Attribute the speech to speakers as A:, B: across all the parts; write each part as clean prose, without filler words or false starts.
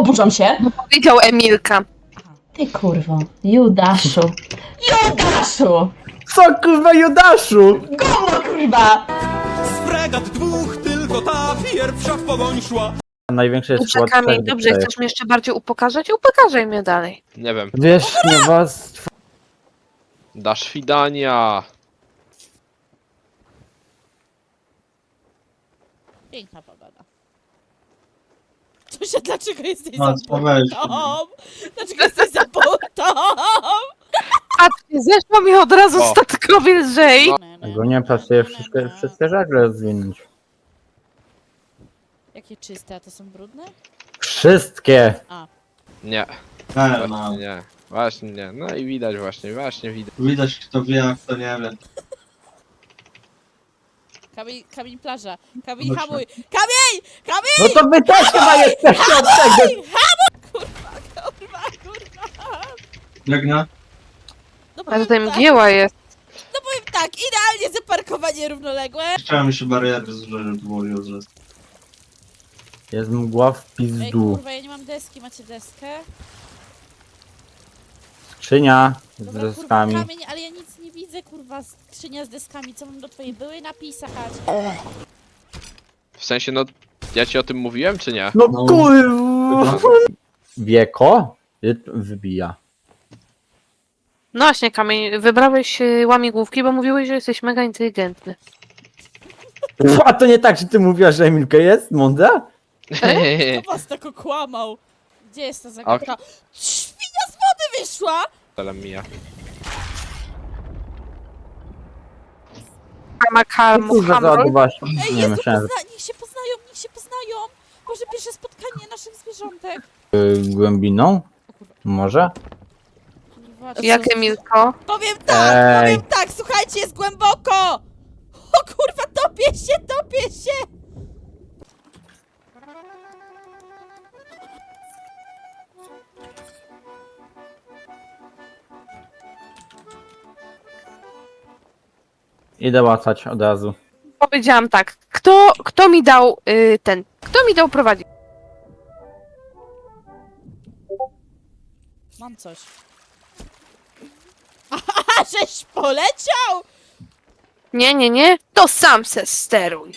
A: oburzam się.
B: Powiedział Emilka.
A: Ty kurwo, Judaszu. Judaszu!
C: Co kurwa Judaszu?
A: Gówno kurwa!
D: Z fregat dwóch, tylko ta pierwsza w pogoń szła.
C: Największy jest
B: Dobrze,
C: skład
B: Kamil,
C: trzech
B: dobrze,
C: czterech.
B: chcesz mnie jeszcze bardziej upokarzać? Upokarzaj mnie dalej.
E: Nie wiem.
C: Wiesz, nie was...
E: Dasz widania.
F: Piękna pogoda. Tosia, dlaczego jesteś
G: No,
F: za
G: co weź.
F: butą? Dlaczego jesteś za butą?
B: Patrzcie, zeszło mi od razu
E: O.
B: statkowi lżej.
E: No.
C: Ogólnie pracuję wszystkie żagle zwinąć.
F: Jakie czyste, a to są brudne?
C: Wszystkie!
E: Nie,
G: No.
E: właśnie nie. Właśnie nie. No i widać właśnie widać.
G: Widać kto wie, a kto nie wie.
F: Kamień plaża. Kamień
G: Dobrze.
F: hamuj. Kamień! Kamień!
C: No to wy też chyba jesteście od tego!
F: Kurwa, kurwa.
G: Dragna?
F: No
B: A
F: powiem
B: tutaj
F: tak,
B: mgieła jest.
F: no powiem tak, idealnie zaparkowanie równoległe.
G: Chciałem mi się bariery złożyć, żeby to było useless.
C: Jest mgła w
F: Ej,
C: pizdu.
F: kurwa, ja nie mam deski, macie deskę?
C: Skrzynia z
F: Dobra, kurwa,
C: deskami.
F: kamień, ale ja nic nie widzę, kurwa, skrzynia z deskami. Co mam do twojej byłej napisać?
E: W sensie, no, ja ci o tym mówiłem, czy nie?
C: No
G: No.
C: kurwa! Wieko? Wybija.
B: No właśnie, Kamil, wybrałeś łamigłówki, bo mówiłeś, że jesteś mega inteligentny.
C: A to nie tak, że ty mówiłaś, że Emilka jest mądra?
F: Kto was tak okłamał? Gdzie jest ta zagadka? Świnia z wody wyszła!
E: Tyle mija.
C: Kurwa, załadowałaś.
F: Ej,
C: Nie
F: Jezu,
C: myślałem, że
F: niech się poznają, niech się poznają! Może pierwsze spotkanie naszych zwierzątek.
C: głębiną? Może?
F: Kurwa, co-
B: Jak Emilko?
F: Powiem tak,
C: Ej.
F: powiem tak, słuchajcie, jest głęboko! O kurwa, topię się, topię się!
C: Idę łatać od razu.
B: Powiedziałam tak, kto mi dał kto mi dał prowadzić?
F: Mam coś. Aha, żeś poleciał!
B: Nie, to sam se steruj.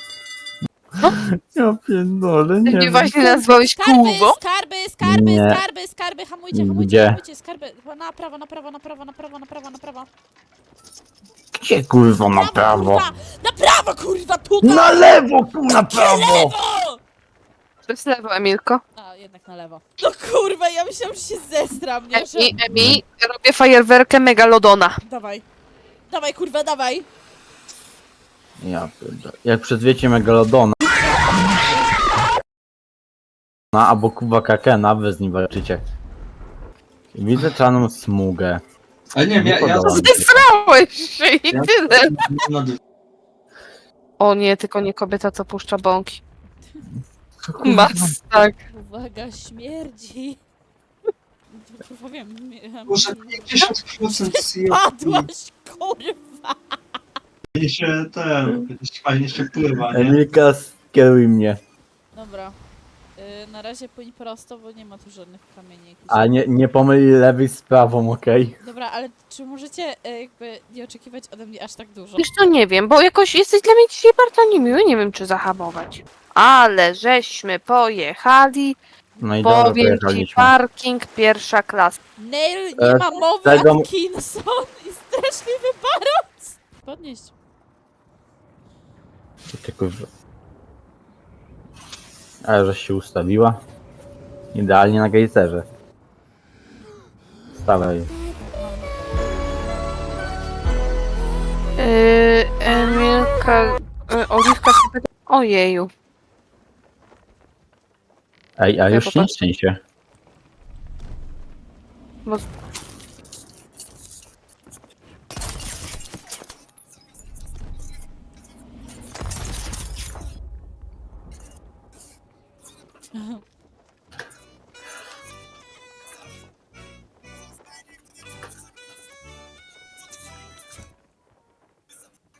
C: Ja pierdolę,
B: Ty mnie właśnie nazwałeś
F: Skarby,
B: kółwo?
F: skarby, skarby,
C: Nie.
F: skarby, skarby, hamujcie, hamujcie,
C: Gdzie?
F: hamujcie, skarby. Na prawo, na prawo, na prawo, na prawo, na prawo, na prawo.
C: Gdzie kurwa na prawo?
F: Kurwa, na prawo, kurwa, tutaj!
C: Na lewo, kurwa, na prawo!
B: To jest lewo, Emilko.
F: A, jednak na lewo. No kurwa, ja myślałam, że się zestram, nie? Że...
B: Emi, robię fajerwerkę Megalodona.
F: Dawaj. Dawaj, kurwa, dawaj.
C: Ja pierdolę. Jak przedwiecie Megalodona. Albo Kuba Kakena, wy z nim walczycie. Widzę czarną smugę.
G: Ale nie wiem, ja
C: podoba mi się.
B: Zesrałeś się i
G: Ja-
B: tyle.
G: no,
B: O nie, tylko nie kobieta, co puszcza bąki.
C: Co, kurwa?
B: Mas, tak.
F: Uwaga, śmierdzi. Kurwa, wiem.
G: Może 50%
F: Padłaś, kurwa.
G: Fajnie się fajnie się pływa, nie?
C: Emilka, skieruj mnie.
F: Dobra. Na razie płyń prosto, bo nie ma tu żadnych kamieni. jakichś.
C: A nie pomyl lewej z prawą, okej?
F: Dobra, ale czy możecie jakby nie oczekiwać ode mnie aż tak dużo?
B: Wiesz to nie wiem, bo jakoś jesteś dla mnie dzisiaj bardzo niemiły, nie wiem czy zahamować. Ale żeśmy pojechali,
C: No i dobra,
B: powiem ci,
C: pojechaliśmy.
B: parking pierwsza klasa.
F: Nail, nie ma mowy,
C: tego-
F: Atkinson i straszliwy baroc! Podnieść.
C: Co ty, kurwa? Ale żeś się ustawiła. Idealnie na gejzerze. Stawaj.
B: Emilka, Oliwka się pyta... Ojeju.
C: Ej, a
B: Ja
C: już nie
B: popatrzę.
C: szczęście.
B: Bo...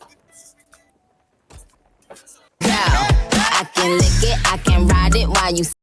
H: I can lick it, I can ride it while you